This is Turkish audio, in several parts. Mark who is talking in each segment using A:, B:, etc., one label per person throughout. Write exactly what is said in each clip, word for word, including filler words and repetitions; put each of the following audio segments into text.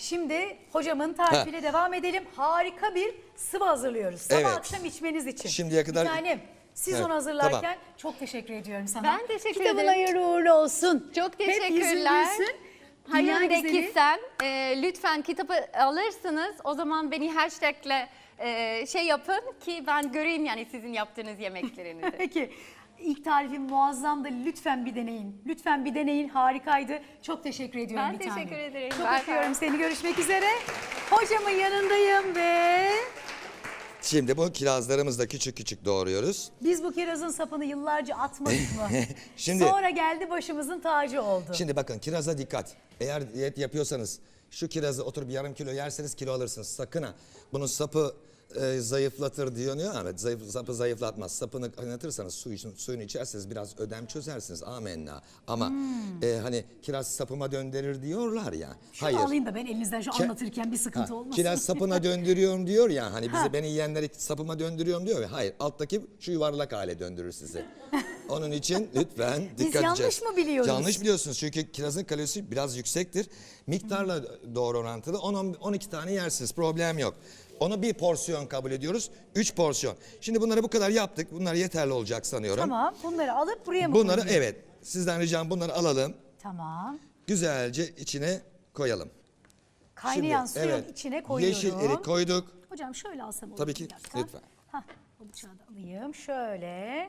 A: Şimdi hocamın tarifiyle
B: Ha.
A: devam edelim. Harika bir sıvı hazırlıyoruz. Sabah
B: Evet.
A: akşam içmeniz için.
B: Şimdiye kadar-
A: Bir tanem siz
B: Evet,
A: onu hazırlarken
B: tamam.
A: çok teşekkür ediyorum sana.
C: Ben teşekkür
A: Kitabın
C: ederim.
A: hayırlı uğurlu olsun.
C: Çok
A: Hep yüzün
C: teşekkürler.
A: gülsün. Dünya
C: Hayır
A: güzeli.
C: Kitsel, e, lütfen kitabı alırsınız. O zaman beni hashtagle e, şey yapın ki ben göreyim yani sizin yaptığınız yemeklerinizi.
A: Peki. İlk tarifim muazzamdı. Lütfen bir deneyin. Lütfen bir deneyin. Harikaydı. Çok teşekkür ediyorum
C: Ben
A: bir tanem.
C: teşekkür ederim.
A: Çok
C: Bye bye.
A: öpüyorum seni. Görüşmek üzere. Hocamın yanındayım ve
B: Şimdi bu kirazlarımızı da küçük küçük doğruyoruz.
A: biz bu kirazın sapını yıllarca atmadık mı?
B: Şimdi-
A: Sonra geldi başımızın tacı oldu.
B: Şimdi bakın kiraza dikkat. Eğer diyet yapıyorsanız şu kirazı oturup yarım kilo yerseniz kilo alırsınız. Sakın ha. Bunun sapı e, zayıflatır diyor ama zayıf, sapı zayıflatmaz. Sapını kaynatırsanız su için, suyunu içerseniz biraz ödem çözersiniz. Amenna. Ama
A: Hmm.
B: e, hani kiraz sapıma döndürür diyorlar ya.
A: Şunu
B: Hayır.
A: alayım da ben elinizden şu
B: Ke-
A: anlatırken bir sıkıntı
B: Ha,
A: olmasın.
B: kiraz sapına döndürüyorum diyor ya hani bizi
A: Ha.
B: beni yiyenleri sapıma döndürüyorum diyor ya. Hayır alttaki şu yuvarlak hale döndürür sizi. Onun için lütfen
A: Biz
B: dikkat
A: yanlış
B: edeceğiz.
A: mı biliyoruz?
B: Yanlış biliyorsunuz çünkü kirazın kalorisi biraz yüksektir. Miktarla doğru orantılı on on iki tane yersiniz problem yok. Onu bir porsiyon kabul ediyoruz. Üç porsiyon. Şimdi bunları bu kadar yaptık. Bunlar yeterli olacak sanıyorum.
A: Tamam, bunları alıp buraya mı
B: Bunları
A: koyayım?
B: evet sizden ricam bunları alalım.
A: Tamam.
B: Güzelce içine koyalım.
A: Kaynayan
B: Şimdi,
A: suyun
B: evet,
A: içine koyuyorum.
B: Yeşil erik koyduk.
A: Hocam şöyle alsam olur
B: Tabii
A: mu
B: ki,
A: bir dakika?
B: lütfen.
A: Hah, o bıçağı da alayım. Şöyle.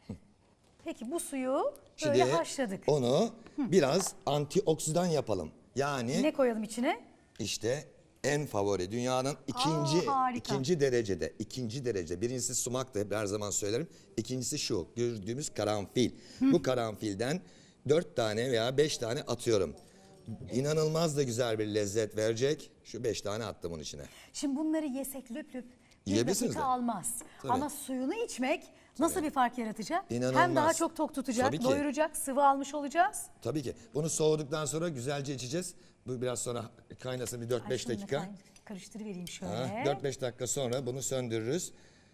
A: Peki bu suyu
B: Şimdi
A: böyle haşladık.
B: onu biraz antioksidan yapalım. Yani
A: Ne koyalım içine?
B: işte en favori dünyanın ikinci
A: harika.
B: ikinci derecede ikinci derece birincisi sumak da hep her zaman söylerim. İkincisi şu gördüğümüz karanfil. Bu karanfilden dört tane veya beş tane atıyorum. İnanılmaz da güzel bir lezzet verecek. Şu beş tane attım onun içine.
A: Şimdi bunları yesek löp löp bir
B: Yiyebilirsiniz
A: dakika
B: de.
A: almaz.
B: Tabii.
A: Ama suyunu içmek nasıl bir fark yaratacak? Hem
B: İnanılmaz.
A: daha çok tok tutacak,
B: Tabii ki.
A: doyuracak, sıvı almış olacağız.
B: Tabii ki. Bunu soğuduktan sonra güzelce içeceğiz. Bu biraz sonra kaynasın bir dört
A: Ay,
B: beş
A: şunu da
B: dakika.
A: kay- Karıştırıvereyim şöyle.
B: Ha, dört beş dakika sonra bunu söndürürüz.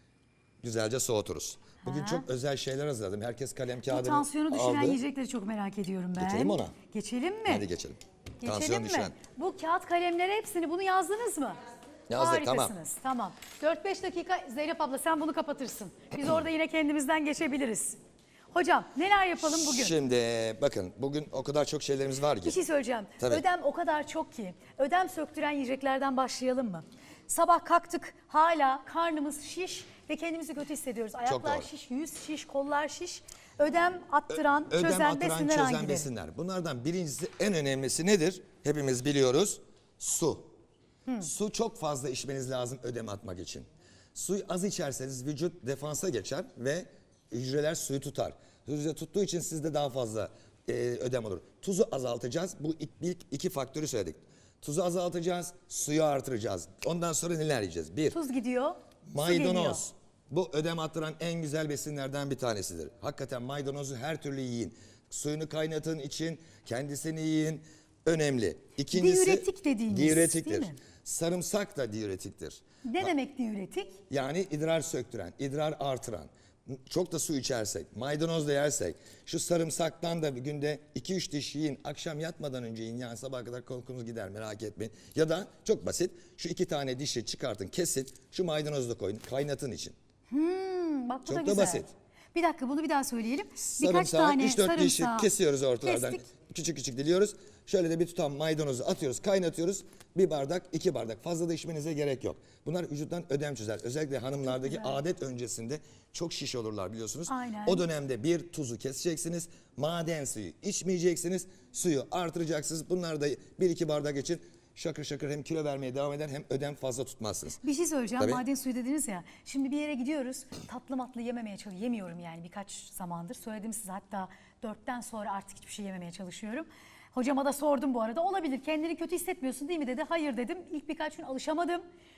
B: Güzelce soğuturuz. Bugün
A: Ha.
B: çok özel şeyler hazırladım. Herkes kalem
A: Bu
B: kağıdını
A: tansiyonu düşüren
B: aldı.
A: yiyecekleri çok merak ediyorum ben.
B: Geçelim ona.
A: Geçelim mi?
B: Hadi geçelim.
A: Geçelim
B: Tansiyon
A: mi?
B: düşen.
A: Bu kağıt kalemlere hepsini bunu yazdınız mı?
B: Yazdık, tamam.
A: Harikasınız. Tamam. dört beş dakika Zeynep abla sen bunu kapatırsın. Biz orada yine kendimizden geçebiliriz. Hocam neler yapalım bugün?
B: Şimdi bakın bugün o kadar çok şeylerimiz var
A: Bir
B: ki.
A: şey söyleyeceğim.
B: Tabii.
A: Ödem o kadar çok ki. Ödem söktüren yiyeceklerden başlayalım mı? Sabah kalktık hala karnımız şiş ve kendimizi kötü hissediyoruz. Ayaklar
B: doğru.
A: şiş, yüz şiş, kollar şiş. Ödem attıran,
B: Ödem
A: çözen
B: attıran,
A: besinler
B: çözen
A: hangileri?
B: besinler. Bunlardan birincisi en önemlisi nedir? Hepimiz biliyoruz. Su. Su çok fazla içmeniz lazım ödem atmak için. Suyu az içerseniz vücut defansa geçer ve hücreler suyu tutar. Hücre tuttuğu için sizde daha fazla e, ödem olur. Tuzu azaltacağız. Bu ilk, ilk iki faktörü söyledik. Tuzu azaltacağız, suyu artıracağız. Ondan sonra neler yiyeceğiz? Bir,
A: Tuz gidiyor, su geliyor.
B: maydanoz. Bu ödem attıran en güzel besinlerden bir tanesidir. Hakikaten maydanozu her türlü yiyin. Suyunu kaynatın için, kendisini yiyin. Önemli. İkincisi,
A: Diüretik dediğimiz,
B: diüretiktir.
A: değil mi?
B: Sarımsak da diüretiktir.
A: Ne demek diüretik?
B: Yani idrar söktüren, idrar artıran. Çok da su içersek, maydanoz da yersek, şu sarımsaktan da bir günde iki üç diş yiyin, akşam yatmadan önce yiyin. Yani sabaha kadar korkunuz gider, merak etmeyin. Ya da çok basit, şu iki tane dişi çıkartın, kesin, şu maydanozu da koyun, kaynatın için.
A: Hmm, bak bu
B: Çok
A: da
B: da
A: güzel.
B: basit.
A: Bir dakika bunu bir daha söyleyelim. Birkaç
B: Sarımsağı
A: tane
B: üç dört dişi
A: sarımsağı
B: kesiyoruz ortalardan.
A: kestik.
B: Küçük küçük diliyoruz. Şöyle de bir tutam maydanozu atıyoruz, kaynatıyoruz. Bir bardak, iki bardak. Fazla da içmenize gerek yok. Bunlar vücuttan ödem çözer. Özellikle hanımlardaki adet öncesinde çok şiş olurlar biliyorsunuz.
A: Aynen.
B: O dönemde bir tuzu keseceksiniz. Maden suyu içmeyeceksiniz. Suyu artıracaksınız. Bunlar da bir iki bardak için şakır şakır hem kilo vermeye devam eder hem ödem fazla tutmazsınız.
A: Bir şey söyleyeceğim.
B: Tabii.
A: Maden suyu dediniz ya. Şimdi bir yere gidiyoruz. Tatlı matlı yememeye çalışıyorum. Yemiyorum yani birkaç zamandır. Söyledim size hatta dörtten sonra artık hiçbir şey yememeye çalışıyorum. Hocama da sordum bu arada. Olabilir kendini kötü hissetmiyorsun değil mi dedi. Hayır dedim. İlk birkaç gün alışamadım.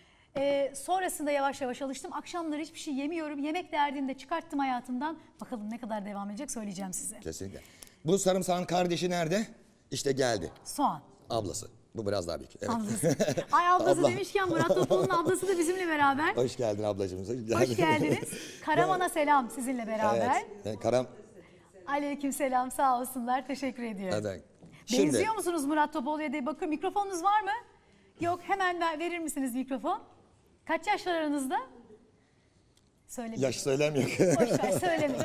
A: Ee, sonrasında yavaş yavaş alıştım. Akşamları hiçbir şey yemiyorum. Yemek derdini de çıkarttım hayatımdan. Bakalım ne kadar devam edecek söyleyeceğim size.
B: Kesinlikle. Bu sarımsağın kardeşi nerede? İşte geldi.
A: Soğan.
B: Ablası. Bu biraz daha büyük. Evet.
A: Ablası. Ay ablası
B: Abla.
A: demişken Murat Topal'ın ablası da bizimle beraber.
B: Hoş geldin ablacığım.
A: Hoş geldiniz. Karaman'a selam sizinle beraber.
B: Evet. Yani Karam.
A: Aleyküm selam sağ olsunlar teşekkür ediyorum.
B: Hadi. Şimdi
A: Benziyor musunuz Murat Topaloğlu'ya diye bakın mikrofonunuz var mı? Yok, hemen ver, verir misiniz mikrofon? Kaç yaş var aranızda? Söylemeyin.
B: Yaş söylemiyor.
A: Boş ver, söylemeyin.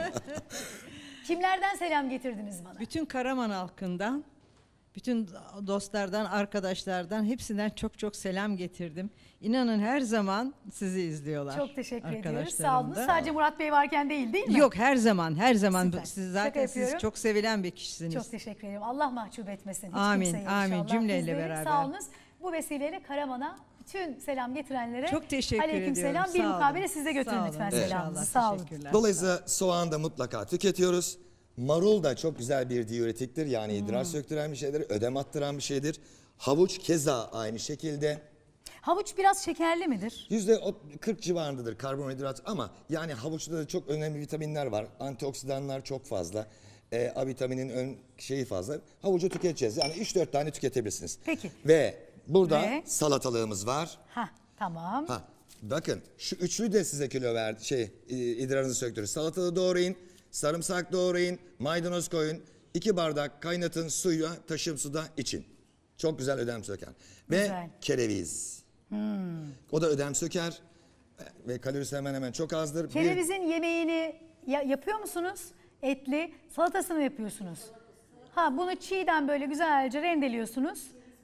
A: Kimlerden selam getirdiniz bana?
D: Bütün Karaman halkından, bütün dostlardan, arkadaşlardan hepsinden çok çok selam getirdim. İnanın her zaman sizi izliyorlar.
A: Çok teşekkür ediyoruz.
D: arkadaşlarım
A: Sağ olun.
D: da.
A: Sadece Murat Bey varken değil değil mi?
D: Yok, her zaman, her zaman.
A: Süper.
D: Siz
A: Şaka
D: zaten siz
A: yapıyorum.
D: çok sevilen bir kişisiniz.
A: Çok teşekkür ederim. Allah mahcup etmesin. Hiç
D: Amin,
A: kimseyi
D: amin.
A: inşallah.
D: Cümleyle
A: Bizleri
D: beraber.
A: Sağ olunuz. Bu vesileyle Karaman'a bütün selam getirenlere
D: Çok teşekkür
A: aleyküm
D: ediyorum.
A: selam. Bir
D: Sağ olun.
A: mukabele siz de götürün
D: Sağ olun.
A: lütfen
D: Evet.
A: selamınızı.
D: İnşallah.
A: Sağ olun.
D: Teşekkürler.
B: Dolayısıyla soğan da mutlaka tüketiyoruz. Marul da çok güzel bir diüretiktir. Yani
A: Hmm.
B: idrar söktüren bir şeydir, ödem attıran bir şeydir. Havuç keza aynı şekilde.
A: Havuç biraz şekerli midir?
B: yüzde kırk civarındadır karbonhidrat ama yani havuçta da çok önemli vitaminler var. Antioksidanlar çok fazla. E, A vitaminin ön şeyi fazla. Havucu tüketeceğiz. Yani üç dört tane tüketebilirsiniz.
A: Peki.
B: Ve burada
A: Ve?
B: salatalığımız var.
A: Ha, tamam.
B: Ha, bakın şu üçlü de size kilo verdi. Şey, e, idrarınızı söktürür. Salatalığı doğrayın, sarımsak doğrayın, maydanoz koyun. iki bardak kaynatın, suya taşım suda için. Çok güzel ödem söker. Ve
A: Güzel.
B: kereviz. O da ödem söker ve kalorisi hemen hemen çok azdır. Bir-
A: Kerevizin yemeğini ya- yapıyor musunuz? Etli. Salatasını mı yapıyorsunuz? Ha, bunu çiğden böyle güzelce rendeliyorsunuz.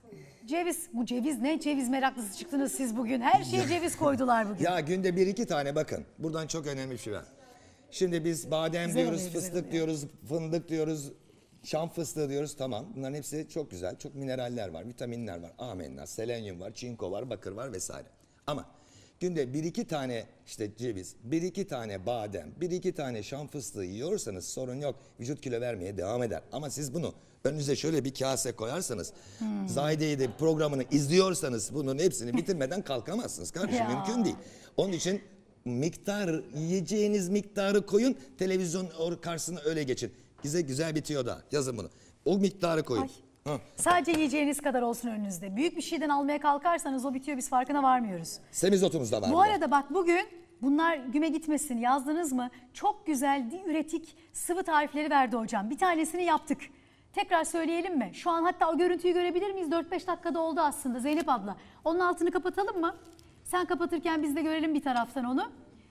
A: Ceviz, bu ceviz ne? Ceviz meraklısı çıktınız siz bugün. Her şeye ceviz koydular bugün.
B: Ya günde bir iki tane bakın. Buradan çok önemli bir şey var. Şimdi biz badem
A: Güzel
B: diyoruz,
A: oluyor, güzel
B: fıstık
A: oluyor.
B: diyoruz, fındık diyoruz, şam fıstığı diyoruz. Tamam, bunların hepsi çok güzel. Çok mineraller var, vitaminler var, amenna, selenyum var, çinko var, bakır var vesaire. Ama günde bir iki tane işte ceviz, bir iki tane badem, bir iki tane şam fıstığı yiyorsanız sorun yok. Vücut kilo vermeye devam eder. Ama siz bunu önünüze şöyle bir kase koyarsanız,
A: Hmm.
B: Zahide'yi de programını izliyorsanız bunun hepsini bitirmeden kalkamazsınız kardeşim.
A: Ya.
B: Mümkün değil. Onun için miktar, yiyeceğiniz miktarı koyun, televizyon or- karşısına öyle geçin. Bize güzel bitiyor da yazın bunu. O miktarı koyun.
A: Ay.
B: Hı.
A: Sadece yiyeceğiniz kadar olsun önünüzde. Büyük bir şeyden almaya kalkarsanız o bitiyor, biz farkına varmıyoruz.
B: Semizotumuz da var.
A: Bu
B: burada.
A: arada bak bugün bunlar güme gitmesin yazdınız mı? Çok güzel diüretik sıvı tarifleri verdi hocam. Bir tanesini yaptık. Tekrar söyleyelim mi? Şu an hatta o görüntüyü görebilir miyiz? dört beş dakikada oldu aslında Zeynep abla. Onun altını kapatalım mı? Sen kapatırken biz de görelim bir taraftan onu.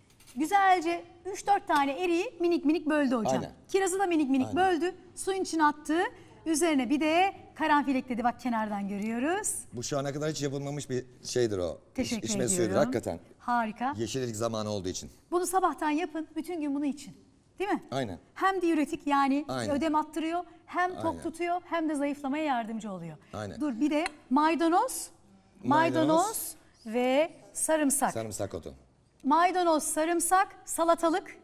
A: Güzelce üç dört tane eriği minik minik böldü hocam.
B: Aynen.
A: Kirazı da minik minik
B: Aynen.
A: böldü. Suyun içine attı. Üzerine bir de karanfil ekledi. Bak kenardan görüyoruz.
B: Bu şu ana kadar hiç yapılmamış bir şeydir o.
A: Teşekkür
B: İç- içme
A: ediyorum.
B: suyudur hakikaten.
A: Harika.
B: Yeşillik zamanı olduğu için.
A: Bunu sabahtan yapın. Bütün gün bunu için. Değil mi?
B: Aynen.
A: Hem diüretik yani
B: Aynen.
A: ödem attırıyor, hem tok
B: Aynen.
A: tutuyor, hem de zayıflamaya yardımcı oluyor.
B: Aynen.
A: Dur bir de maydanoz, maydanoz,
B: Maydanoz.
A: ve sarımsak.
B: Sarımsak otu.
A: Maydanoz, sarımsak, salatalık,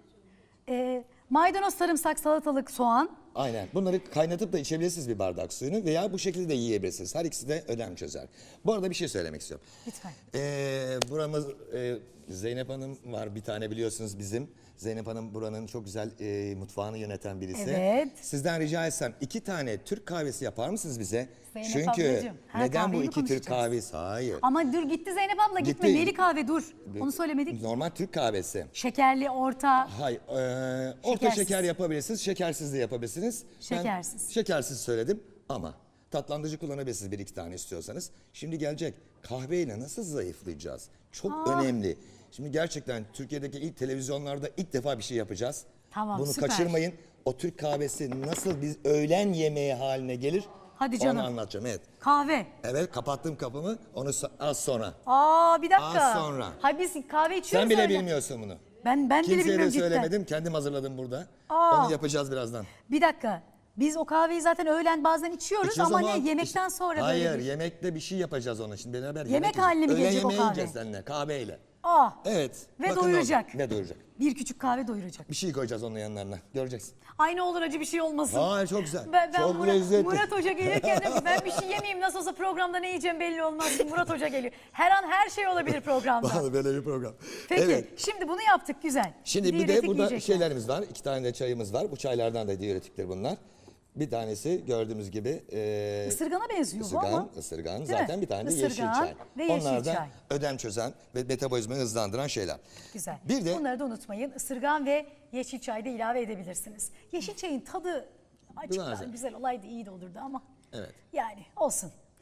A: e, maydanoz, sarımsak, salatalık, soğan.
B: Aynen. Bunları kaynatıp da içebilirsiniz bir bardak suyunu veya bu şekilde de yiyebilirsiniz. Her ikisi de ödem çözer. Bu arada bir şey söylemek istiyorum.
A: Lütfen.
B: Ee, buramız e, Zeynep Hanım var bir tane biliyorsunuz bizim. Zeynep Hanım buranın çok güzel e, mutfağını yöneten birisi.
A: Evet.
B: Sizden rica etsem iki tane Türk kahvesi yapar mısınız bize?
A: Zeynep
B: Çünkü
A: ablacığım, her
B: neden bu
A: kahveyi mi
B: iki Türk
A: konuşacağız?
B: kahvesi? Hayır.
A: Ama dur gitti Zeynep abla gitme.
B: Gitti.
A: Neli kahve dur. Onu söylemedik.
B: Normal Türk kahvesi.
A: Şekerli, orta.
B: Hayır, e, orta
A: Şekersiz.
B: şeker yapabilirsiniz, şekersiz de yapabilirsiniz. Ben
A: Şekersiz.
B: şekersiz söyledim ama tatlandırıcı kullanabilirsiniz bir iki tane istiyorsanız. Şimdi gelecek kahveyle nasıl zayıflayacağız? Çok önemli. Şimdi gerçekten Türkiye'deki ilk televizyonlarda ilk defa bir şey yapacağız.
A: Tamam,
B: Bunu
A: süper.
B: kaçırmayın. O Türk kahvesi nasıl biz öğlen yemeği haline gelir?
A: Hadi canım.
B: Onu anlatacağım, evet.
A: Kahve.
B: Evet, kapattım kapımı, onu so- az sonra.
A: Aa bir dakika.
B: Az sonra.
A: Ha biz kahve içiyoruz
B: Sen bile
A: öyle.
B: bilmiyorsun bunu.
A: Ben ben bile
B: Kimseye de
A: bilmiyorum cidden.
B: söylemedim, kendim hazırladım burada.
A: Aa.
B: Onu yapacağız birazdan.
A: Bir dakika. Biz o kahveyi zaten öğlen bazen içiyoruz
B: İçiyoruz
A: ama,
B: ama
A: ne yemekten
B: işte-
A: sonra
B: Hayır,
A: böyle bir...
B: yemekte bir şey yapacağız ona şimdi beraber.
A: Yemek
B: yiyeceğiz.
A: haline mi
B: Öğlen
A: gelecek o
B: yemeği
A: kahve?
B: yiyeceğiz seninle kahveyle.
A: Aa.
B: Evet.
A: Ve
B: bakın
A: doyuracak.
B: orada. Ve doyuracak.
A: Bir küçük kahve doyuracak.
B: Bir şey koyacağız onun yanlarına. Göreceksin.
A: Ay ne olur acı bir şey olmasın.
B: Hayır, çok güzel.
A: Ben, ben
B: Çok
A: Murat,
B: lezzetli.
A: Murat Hoca gelirken de ben bir şey yemeyeyim nasıl olsa programda ne yiyeceğim belli olmaz. Murat Hoca geliyor. Her an her şey olabilir programda.
B: Vallahi böyle bir program.
A: Peki
B: Evet.
A: şimdi bunu yaptık güzel.
B: Şimdi bir de
A: Diüretik
B: burada
A: yiyecekler.
B: şeylerimiz var. İki tane de çayımız var. Bu çaylardan da diüretiktir bunlar. Bir tanesi gördüğümüz gibi e,
A: Isırgana benziyor bu
B: ısırgan,
A: ama.
B: ısırgan.
A: Değil
B: Zaten
A: mi?
B: bir tane de
A: Isırgan
B: yeşil çay.
A: ve yeşil
B: Onlar da
A: çay.
B: ödem çözen ve metabolizmayı hızlandıran şeyler.
A: Güzel.
B: Bir de
A: Bunları da unutmayın. Isırgan ve yeşil çay da ilave edebilirsiniz. Yeşil çayın tadı açıktan
B: Güzel.
A: güzel olaydı iyi de olurdu ama.
B: Evet.
A: Yani olsun.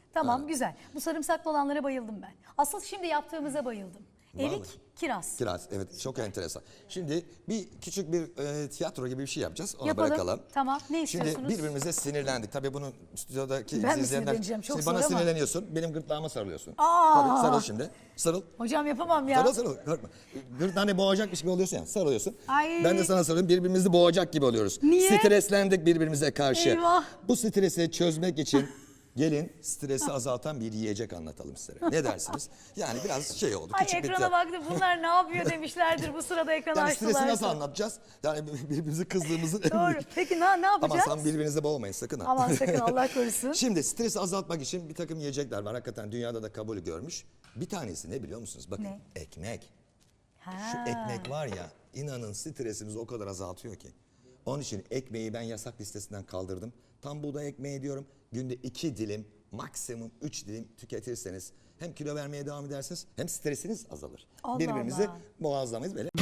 A: Tamam güzel. Bu sarımsaklı olanlara bayıldım ben. Asıl şimdi yaptığımıza bayıldım.
B: Vallahi.
A: Erik, kiraz.
B: Kiraz, evet, çok enteresan. Şimdi bir küçük bir e, tiyatro gibi bir şey yapacağız. Onu
A: Yapalım.
B: bırakalım.
A: Tamam, ne istiyorsunuz?
B: Şimdi birbirimize sinirlendik. Tabii bunu stüdyodaki
A: Ben mi
B: izleyenler...
A: sinirleneceğim? Çok
B: Şimdi bana
A: zor ama.
B: sinirleniyorsun, benim gırtlağıma sarılıyorsun.
A: Aa!
B: Tabii, sarıl şimdi. Sarıl.
A: Hocam yapamam ya.
B: Sarıl sarıl, korkma. Gırtlağını boğacakmış gibi oluyorsun ya, sarılıyorsun.
A: Ay.
B: Ben de sana sarılayım, birbirimizi boğacak gibi oluyoruz.
A: Niye?
B: Streslendik birbirimize karşı.
A: Eyvah.
B: Bu stresi çözmek için gelin stresi azaltan bir yiyecek anlatalım size. Ne dersiniz? Yani biraz şey oldu,
A: Ay
B: küçük bir
A: ekrana
B: tiyatro.
A: baktım bunlar ne yapıyor demişlerdir bu sırada ekran
B: Yani
A: açtılar.
B: stresi nasıl anlatacağız? Yani birbirimizi kızdığımızı...
A: Doğru. Peki ne, ne yapacağız?
B: Ama sen birbirinizi boğmayın sakın ha.
A: Aman sakın Allah korusun.
B: Şimdi stresi azaltmak için bir takım yiyecekler var. Hakikaten dünyada da kabul görmüş. Bir tanesi ne biliyor musunuz? Bakın,
A: Ne?
B: ekmek.
A: Ha.
B: Şu ekmek var ya, inanın stresimizi o kadar azaltıyor ki. Onun için ekmeği ben yasak listesinden kaldırdım. Tam buğday ekmeği diyorum. Günde iki dilim, maksimum üç dilim tüketirseniz hem kilo vermeye devam edersiniz hem stresiniz azalır.
A: Allah
B: Birbirimizi
A: Allah.
B: boğazlamayız böyle.